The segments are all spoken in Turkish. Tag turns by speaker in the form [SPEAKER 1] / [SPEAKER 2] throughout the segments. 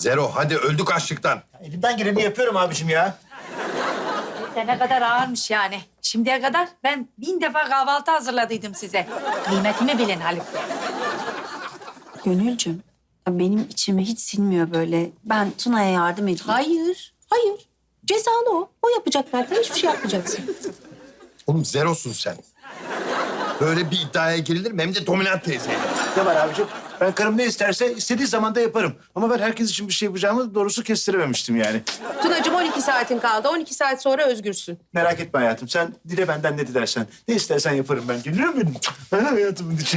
[SPEAKER 1] Zero hadi öldük açlıktan.
[SPEAKER 2] Elimden geleni yapıyorum abicim ya.
[SPEAKER 3] Ne kadar ağırmış yani. Şimdiye kadar ben 1000 defa kahvaltı hazırladıydım size. Kıymetimi bilin Haluk Bey.
[SPEAKER 4] Gönülcüm, ya benim içime hiç sinmiyor böyle. Ben Tuna'ya yardım edeyim.
[SPEAKER 5] Hayır, hayır. Cezalı o. O yapacak zaten. Hiçbir şey yapmayacaksın.
[SPEAKER 1] Oğlum zerosun sen. Böyle bir iddiaya girilir mi? Hem de dominant teyzeyle.
[SPEAKER 2] Ne var abicim? Ben karım ne isterse istediği zaman da yaparım. Ama ben herkes için bir şey yapacağımı doğrusu kestirememiştim yani.
[SPEAKER 5] Tunacığım 12 saatin kaldı. 12 saat sonra özgürsün.
[SPEAKER 2] Merak etme hayatım. Sen dile benden ne dilersen. Ne istersen yaparım ben. Gülüyor benim. Hayatımın içi.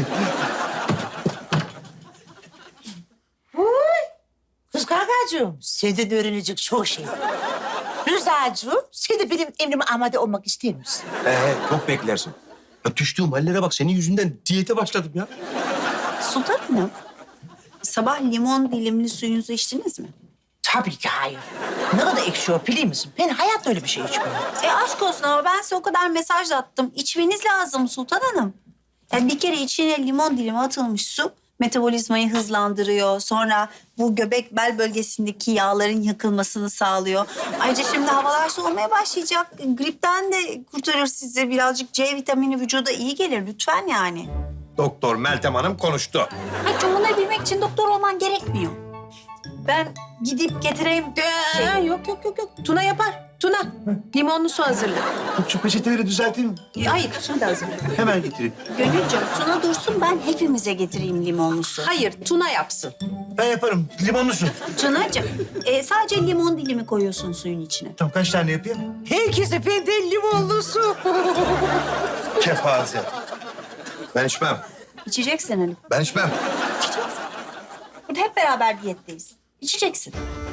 [SPEAKER 6] Kız kankacığım, senden öğrenecek çok şey var. Rıza'cığım, sen de benim emrime amade olmak ister misin?
[SPEAKER 7] Çok beklersin. Ya düştüğüm hallere bak. Senin yüzünden diyete başladım ya.
[SPEAKER 4] Sultan Hanım, sabah limon dilimli suyunuzu içtiniz mi?
[SPEAKER 6] Tabii ki hayır. Ne kadar ekşi o biliyor musun? Ben hayatta öyle bir şey içmiyorum.
[SPEAKER 4] Aşk olsun ama ben size o kadar mesaj attım. İçmeniz lazım Sultan Hanım. Yani bir kere içine limon dilimi atılmış su metabolizmayı hızlandırıyor. Sonra bu göbek bel bölgesindeki yağların yakılmasını sağlıyor. Ayrıca şimdi havalar soğumaya başlayacak. Gripten de kurtarır sizi. Birazcık C vitamini vücuda iyi gelir lütfen yani.
[SPEAKER 1] Doktor Meltem Hanım konuştu.
[SPEAKER 4] Hayır, bunu bilmek için doktor olman gerekmiyor. Ben gidip getireyim.
[SPEAKER 5] Yok. Tuna yapar. Tuna, limonlu su hazırla.
[SPEAKER 2] Şu peçeteleri düzelteyim.
[SPEAKER 5] Hayır, şimdi hazırla.
[SPEAKER 2] Hemen getireyim.
[SPEAKER 4] Gönülcüm Tuna dursun, ben hepimize getireyim limonlu su.
[SPEAKER 5] Hayır, Tuna yapsın.
[SPEAKER 2] Ben yaparım. Limonlu su.
[SPEAKER 4] Tunacığım sadece limon dilimi koyuyorsun suyun içine.
[SPEAKER 2] Tamam kaç tane yapayım?
[SPEAKER 6] Herkese benden limonlu su.
[SPEAKER 1] Kepaze. Ben içmem.
[SPEAKER 4] İçeceksin Haluk.
[SPEAKER 1] Ben içmem.
[SPEAKER 4] İçeceksin. Burada hep beraber diyetteyiz. İçeceksin.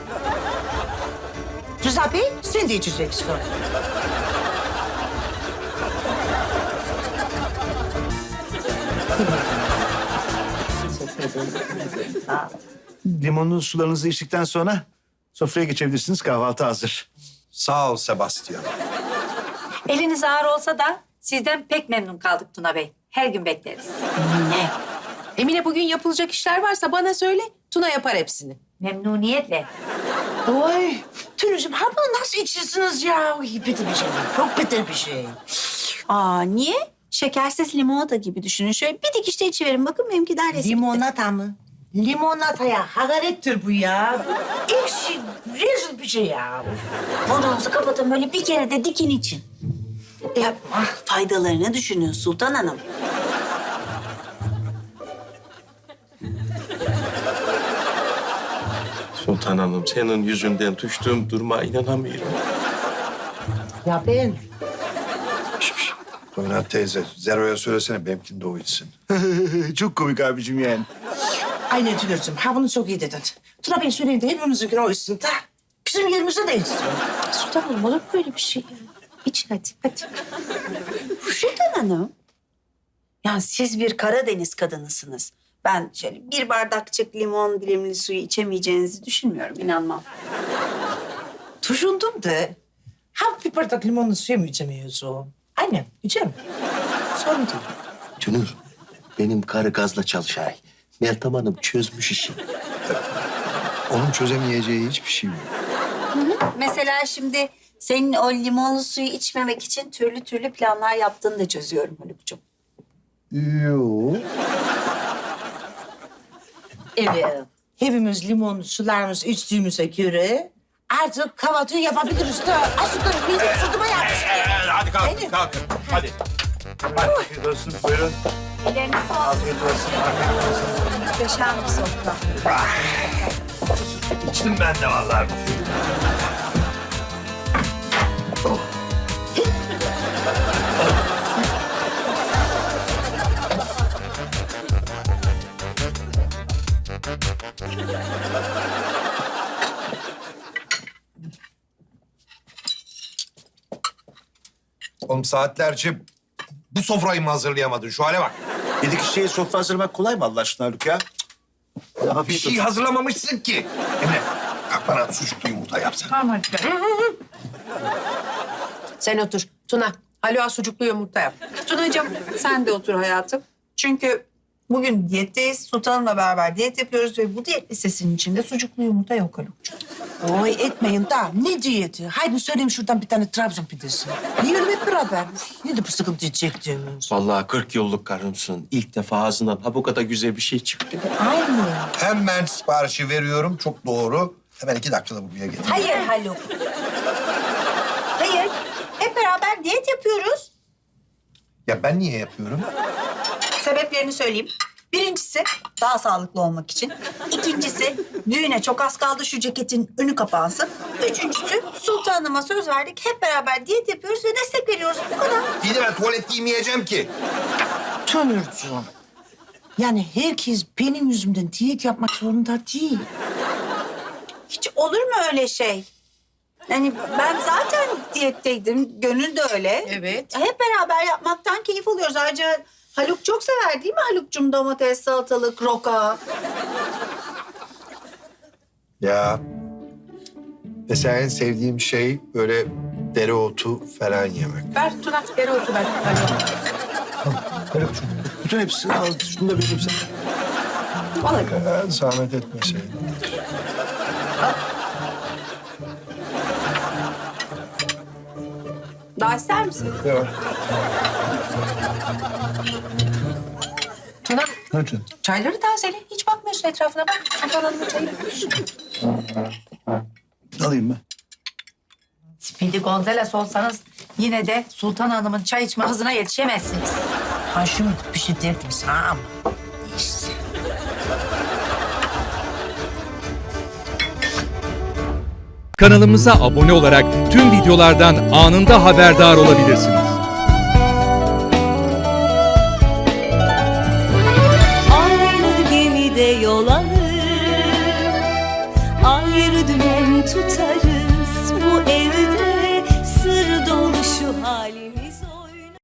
[SPEAKER 6] Rıza Bey, sen de içeceksin.
[SPEAKER 2] Limonlu sularınızı içtikten sonra sofraya geçebilirsiniz. Kahvaltı hazır.
[SPEAKER 1] Sağ ol Sebastian.
[SPEAKER 3] Eliniz ağır olsa da sizden pek memnun kaldık Tuna Bey. Her gün bekleriz.
[SPEAKER 4] Ne?
[SPEAKER 5] Emine bugün yapılacak işler varsa bana söyle. Tuna yapar hepsini.
[SPEAKER 3] Memnuniyetle.
[SPEAKER 6] Oy, Tülücüğüm, ha bunu nasıl içiyorsunuz ya? Oy, kötü bir şey. Çok kötü bir şey.
[SPEAKER 4] Aa niye? Şekersiz limonata gibi düşünün. Şöyle bir dikişte içiverin. Bakın benimki neredeyse.
[SPEAKER 6] Limonata mı? Limonataya hakarettir bu ya. Ekşi, rezil bir şey ya.
[SPEAKER 4] Burnunuzu kapatın, böyle bir kere de dikin için. Yapma. Faydalarını düşünün Sultan Hanım.
[SPEAKER 7] Sultan Hanım, senin yüzünden düştüğüm duruma inanamıyorum.
[SPEAKER 6] Ya ben
[SPEAKER 1] Dominant teyze, Zero'ya söylesene benimkini de o içsin.
[SPEAKER 2] Çok komik abicim yani.
[SPEAKER 6] aynen Tülücüğüm, ha bunu çok iyi dedin. Tuna Bey söyleyin de hepimizinkini o içsin de. Bizim yerimize de içsin.
[SPEAKER 5] Sultan Hanım olur mu böyle bir şey ya? İçin hadi.
[SPEAKER 4] Sultan Hanım. Yani siz bir Karadeniz kadınısınız. Ben şöyle bir bardakçık limon dilimli suyu içemeyeceğinizi düşünmüyorum. İnanmam.
[SPEAKER 6] Düşündüm de. Ha bir bardak limonlu suya mı içemiyoruz o? Aynen, içerim. Sorun değil.
[SPEAKER 7] Tünür, benim karı gazla çalışay. Meltem Hanım çözmüş işi.
[SPEAKER 1] Onun çözemeyeceği hiçbir şey yok.
[SPEAKER 4] Mesela şimdi senin o limonlu suyu içmemek için türlü türlü planlar yaptığını da çözüyorum Haluk'cum.
[SPEAKER 1] Yok.
[SPEAKER 6] Evet. Hepimiz limonlu sularımızı içtiğimize göre artık kahvaltıyı yapabiliriz de. Aslında benim sırtıma yapmış.
[SPEAKER 1] Hadi kalkın, kalkın. Hadi.
[SPEAKER 2] Afiyet olsun. Buyurun.
[SPEAKER 4] Elleriniz olsun.
[SPEAKER 2] Afiyet olsun. Afiyet olsun.
[SPEAKER 4] Muhteşem bir sofra.
[SPEAKER 1] İçtim ben de vallahi. Oğlum saatlerce bu sofrayı mı hazırlayamadın? Şu hale bak.
[SPEAKER 2] 7 kişiye sofra hazırlamak kolay mı Allah aşkına Haluk ya?
[SPEAKER 1] Bir
[SPEAKER 2] Afiyet
[SPEAKER 1] şey
[SPEAKER 2] olsun.
[SPEAKER 1] hazırlamamışsın ki. Emre, kalk bana sucuklu yumurta yapsana.
[SPEAKER 3] Tamam Haluk Bey.
[SPEAKER 5] Sen otur. Tuna, Haluk'a sucuklu yumurta yap.
[SPEAKER 4] Tunacığım sen de otur hayatım. Çünkü Bugün diyetteyiz. Sultanımla beraber diyet yapıyoruz ve bu diyet listesinin içinde sucuklu yumurta yok Haluk'cuğum.
[SPEAKER 6] Oy etmeyin da ne diyeti? Haydi söyleyeyim şuradan bir tane Trabzon pidesi. Yiyelim hep beraber. Ne de bu sıkıntı çektiğimiz.
[SPEAKER 7] Vallahi 40 yıllık karımsın. İlk defa ağzından ha bu kadar güzel bir şey çıktı.
[SPEAKER 6] Aynı.
[SPEAKER 1] Hemen siparişi veriyorum. Çok doğru. Hemen 2 dakikada buraya getir.
[SPEAKER 4] Hayır Haluk. Hayır. Hep beraber diyet yapıyoruz.
[SPEAKER 1] Ya ben niye yapıyorum?
[SPEAKER 4] Sebeplerini söyleyeyim. Birincisi daha sağlıklı olmak için. İkincisi düğüne çok az kaldı, şu ceketin önü kapansın. Üçüncüsü sultanıma söz verdik. Hep beraber diyet yapıyoruz ve destek veriyoruz. Bu kadar.
[SPEAKER 1] İyi de ben tuvalet giymeyeceğim ki.
[SPEAKER 6] Tönürcüğüm. Yani herkes benim yüzümden diyet yapmak zorunda değil.
[SPEAKER 4] Hiç olur mu öyle şey? Yani ben zaten diyetteydim. Gönül de öyle.
[SPEAKER 3] Evet.
[SPEAKER 4] Hep beraber yapmaktan keyif alıyoruz. Ayrıca Haluk çok sever değil mi Haluk'cum? Domates, salatalık, roka.
[SPEAKER 1] Ya. Mesela en sevdiğim şey böyle dereotu falan yemek.
[SPEAKER 3] Ver Tuna, dereotu ver.
[SPEAKER 1] Haluk'cum bütün hepsini al. Şunu da vereyim sana. Ya, zahmet etmeseydin.
[SPEAKER 4] Daha ister misin?
[SPEAKER 1] Ya.
[SPEAKER 3] Tuna,
[SPEAKER 1] Hadi.
[SPEAKER 3] çayları tazele. Hiç bakmıyorsun etrafına. Bak, Sultan Hanım'ın çayı bitmiş.
[SPEAKER 2] Alayım ben.
[SPEAKER 3] Speedy Gonzales olsanız yine de Sultan Hanım'ın çay içme hızına yetişemezsiniz.
[SPEAKER 6] Ha şimdi bir şey derdim sana ama. İşte.
[SPEAKER 8] Kanalımıza abone olarak tüm videolardan anında haberdar olabilirsiniz.
[SPEAKER 9] Aynı gemide yol alır, ayrı dümen tutarız.